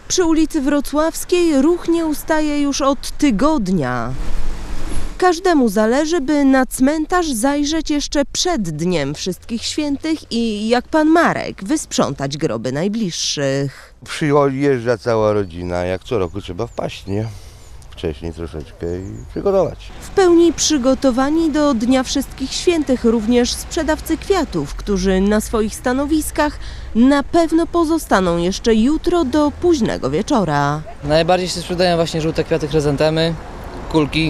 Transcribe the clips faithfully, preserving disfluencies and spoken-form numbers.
Przy ulicy Wrocławskiej ruch nie ustaje już od tygodnia. Każdemu zależy, by na cmentarz zajrzeć jeszcze przed Dniem Wszystkich Świętych i, jak pan Marek, wysprzątać groby najbliższych. Przyjeżdża cała rodzina, jak co roku trzeba wpaść, nie? Wcześniej troszeczkę i przygotować. W pełni przygotowani do Dnia Wszystkich Świętych również sprzedawcy kwiatów, którzy na swoich stanowiskach na pewno pozostaną jeszcze jutro do późnego wieczora. Najbardziej się sprzedają właśnie żółte kwiaty, chryzantemy, kulki.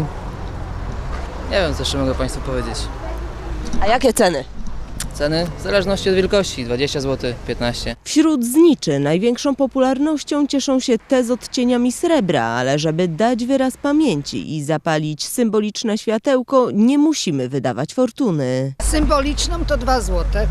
Nie wiem, co jeszcze mogę Państwu powiedzieć. A jakie ceny? Ceny w zależności od wielkości, dwadzieścia złotych, piętnaście. Wśród zniczy największą popularnością cieszą się te z odcieniami srebra, ale żeby dać wyraz pamięci i zapalić symboliczne światełko, nie musimy wydawać fortuny. Symboliczną to dwa złote,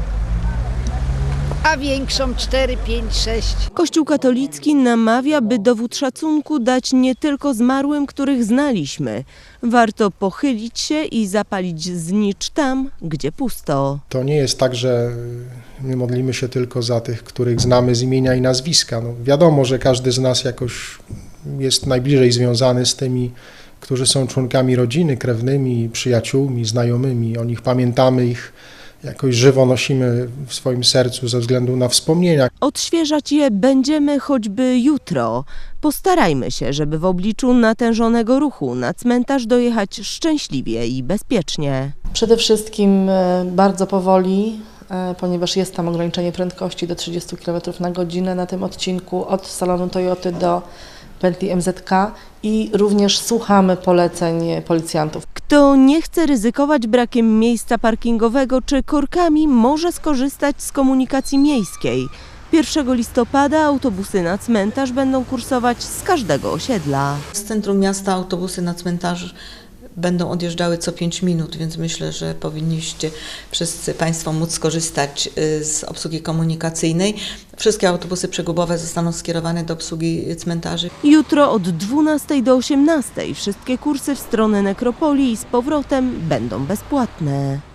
a większą cztery, pięć, sześć. Kościół katolicki namawia, by dowód szacunku dać nie tylko zmarłym, których znaliśmy. Warto pochylić się i zapalić znicz tam, gdzie pusto. To nie jest tak, że my modlimy się tylko za tych, których znamy z imienia i nazwiska. No, wiadomo, że każdy z nas jakoś jest najbliżej związany z tymi, którzy są członkami rodziny, krewnymi, przyjaciółmi, znajomymi. O nich pamiętamy, ich jakoś żywo nosimy w swoim sercu ze względu na wspomnienia. Odświeżać je będziemy choćby jutro. Postarajmy się, żeby w obliczu natężonego ruchu na cmentarz dojechać szczęśliwie i bezpiecznie. Przede wszystkim bardzo powoli, ponieważ jest tam ograniczenie prędkości do trzydziestu kilometrów na godzinę na tym odcinku od salonu Toyoty do pętli M Z K i również słuchamy poleceń policjantów. Kto nie chce ryzykować brakiem miejsca parkingowego czy korkami, może skorzystać z komunikacji miejskiej. pierwszego listopada autobusy na cmentarz będą kursować z każdego osiedla. Z centrum miasta autobusy na cmentarz będą odjeżdżały co pięć minut, więc myślę, że powinniście wszyscy Państwo móc skorzystać z obsługi komunikacyjnej. Wszystkie autobusy przegubowe zostaną skierowane do obsługi cmentarzy. Jutro od dwunastej do osiemnastej wszystkie kursy w stronę nekropolii i z powrotem będą bezpłatne.